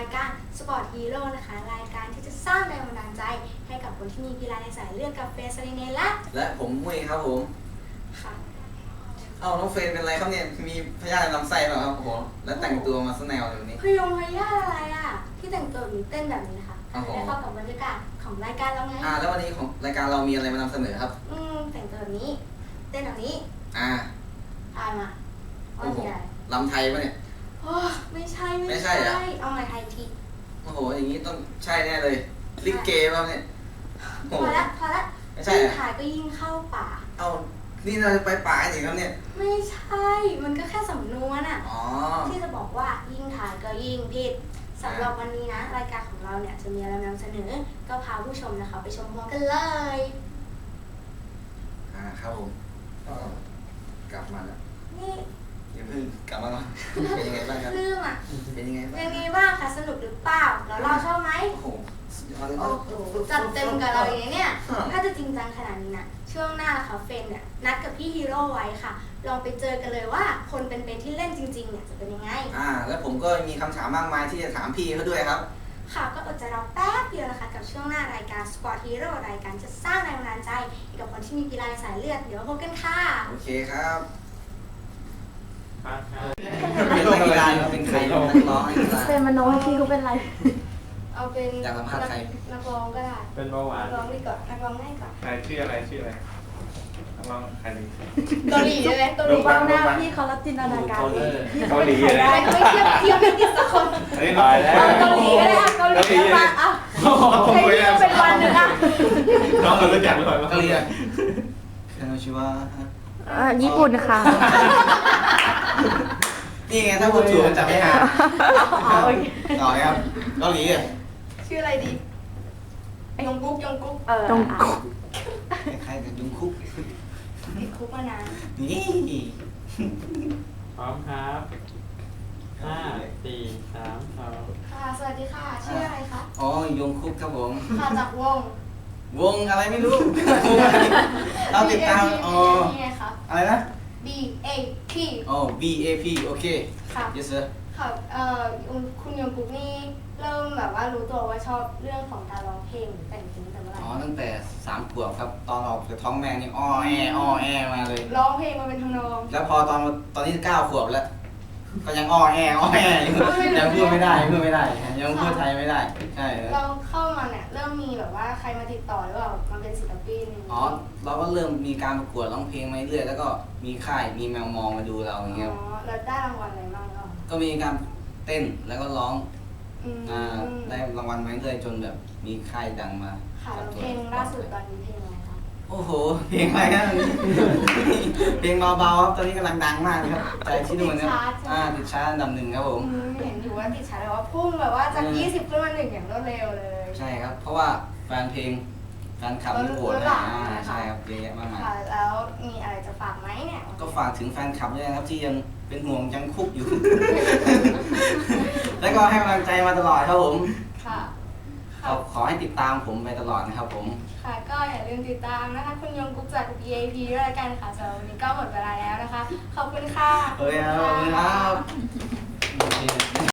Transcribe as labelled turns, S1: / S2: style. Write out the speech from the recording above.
S1: ายการ Sport Hero นะคะรายการที่จะสร้างแรงบันดาลใจให้กับคนที่มีกีฬาในสายเลือดกับเฟสซาริเน
S2: และผมมุ้ยครับผม
S1: ค่ะ
S2: เอ้าน้องเฟรนเป็นไรครับเนี่ยมีพยาธิลำไส้เปล่าครับโอ้โหแล้วแต่งตัวมาซะแนวแบบนี้
S1: พยาอะไรอ่ะที่แต่งตัวหรือเต้นแบบนี้นะคะได้เข้ากับบรรยากาศของรายการเราไง
S2: แล้ววันนี้ของรายการเรามีอะไรมานำเสนอครับ
S1: แต่งตัวแบบนี้เต้นแบบนี้ทายมาว่ามีอะไร
S2: ลำไทยปะเนี่ย
S1: โอ้ไม่ใช่เอาใหม่ไทยที
S2: โอ้โหอย่างนี้ต้องใช่แน่เลยลิเกป่ะเนี่ย
S1: พอละ
S2: ไม่ใช่
S1: ถ่ายก็ยิ่งเข้าป่า
S2: เอานี่เราจะไปป่าจริงครับเนี่ย
S1: ไม่ใช่มันก็แค่สำนวนอ่ะที่จะบอกว่ายิ่งถ่ายก็ยิ่งผิดสำหรับวันนี้นะรายการของเราเนี่ยจะมีอะไรนำเสนอก็พาผู้ชมนะคะไปชมพร้อมกันเลย
S2: ครับผมก็กลับมาแล้ว
S1: นี่
S2: อย่าเพิ่งกลับมาแล้วเป็นยังไงบ้างครับ
S1: ลืมอ่ะ
S2: เป็นยังไง
S1: บ้างคะสนุกหรือเปล่าแล้วเราชอบไหม
S2: โอ้โห
S1: จัดเต็มกับเราอย่างนี้เนี่ยถ้าจะจริงจังขนาดนี้นะช่วงหน้าค่ะเฟนเนี่ยนัดกับพี่ฮีโร่ไว้ค่ะลองไปเจอกันเลยว่าคนเป็นที่เล่นจริงๆเนี่ยจะเป็นยังไง
S2: แล้วผมก็มีคำถามมากมายที่จะถามพี่เขาด้วยครับ
S1: ค่ะก็อดใจรอแป๊บเดียวนะคะกับช่วงหน้ารายการ Sport Hero รายการจะสร้างแรงบันดาลใจให้กับคนที่มีกีฬาในสายเลือดเดี๋ยวพบกันค่ะ
S2: โอเคครับ
S3: เป็น
S2: นักกีฬาเป็นใครนักร้อง
S1: เป็นมโนที่เขาเป็นไรเอาเป็น
S2: อยากสัมภาษณ์ใคร
S1: นักร้องก็ได้
S3: เป็นเบาหวาน
S1: นักร้องดีกว่านักร้องง่ายกว่า
S3: ใครชื่ออะไรนักร้องใครดี
S1: เกาหลีใช่ไหมเกาหลี
S4: บ้างหน้าพี่เขารับจินตนาการ
S3: เกาหลีอะไร
S1: ไม่เทียบไม่ติดสักคน
S3: ตายแล้ว
S1: เกาหลีก็ได้เกาหลีมาให้พี่เป็นวันนึง
S3: น้องเรารู้จักหรือเปล่า
S2: เกาหลีชื่อว่า
S4: ญี่ปุ่นค่ะ
S2: นี่ไงถ้าพูดถูกมันจะไม่หาต่อครับเกาหลี
S1: ชื่ออะไรดียงกุ๊ก
S4: ยงกุ๊ก
S2: ใครกับยุงคุก
S1: ติดคุกมานาน
S2: นี่
S3: พร้อมครับ5 4 3 2
S1: ค่ะสวัสดีค่ะชื่ออะไรคะ
S2: ยงคุกครับผม
S1: ค่ะจาก
S2: วงอะไรไม่รู้เราติดตามอะไรนะ
S1: BAP
S2: BAP โอเค
S1: ค่ะ
S2: yes sir
S1: ค่ะคุณยงกุ๊กนี่เริ่มแบบว่ารู้ตัวว่าชอบเรื่องของการร้องเพลงหรือแต่งเพลงแต่เมื่อไหร่
S2: ตั้งแต่3 ขวบครับตอนออกจากท้องแม่นี่อ้อแอมาเลย
S1: ร้องเพลงมาเป็นทำนอง
S2: แล้วพอตอนนี้9 ขวบแล้วก็ยังอ้อแอยังพูดไม่ได้ยังพูดไทยไม่ได้ใช่
S1: เราเข้ามาเนี่ยเริ่มมีแบบว่าใครมาติดต่อหรือเปล่ามาเป็นศิลปิน
S2: เราก็เริ่มมีการประกวดร้องเพลงมาเรื่อยแล้วก็มีค่ายมีแมวมองมาดูเราอย่างเงี้ย
S1: แล้วได้รางวัลอะไรบ้าง
S2: ก็มีการเต้นแล้วก็ร้องได้รางวัลมาเรื่อยจนแบบมีค่ายดังมา
S1: ค่ะเพลงล่าสุดตอนนี้เพลงอะไรคะ
S2: โอ้โหเพลงอะไรครับเพลงเบาๆครับตอนนี้กำลังดังมากครับใจที่นู่นนะติดชาร์ตอันดับ 1ครับผม
S1: เห็นอยู่ว่าติดชาร์ตแบบว่าพุ่งแบบว่าจาก20ขึ้นมา1อย่างรวดเร็วเลย
S2: ใช่ครับเพราะว่าแฟนเพลงแฟนคลับนี่โหวตใช่ครับเยอะแยะมากมาย
S1: แล้วมีอะไรจะฝากไหมเนี่ย
S2: ก็ฝากถึงแฟนคลับด้วยนะครับที่ยังเป็นห่วงยังคุกอยู่ แล้วก็ให้กำลังใจมาตลอดครับผม
S1: ค่ะ
S2: ขอให้ติดตามผมไปตลอดนะครับผม
S1: ค่ะก็อย่าลืมติดตามนะคะคุณยงกุ๊กจาก BAP ด้วยกันค่ะสำหรับวันนี้ก็หมดเวลาแล้วนะคะขอบคุณค่ะ
S2: ขอบคุณครับ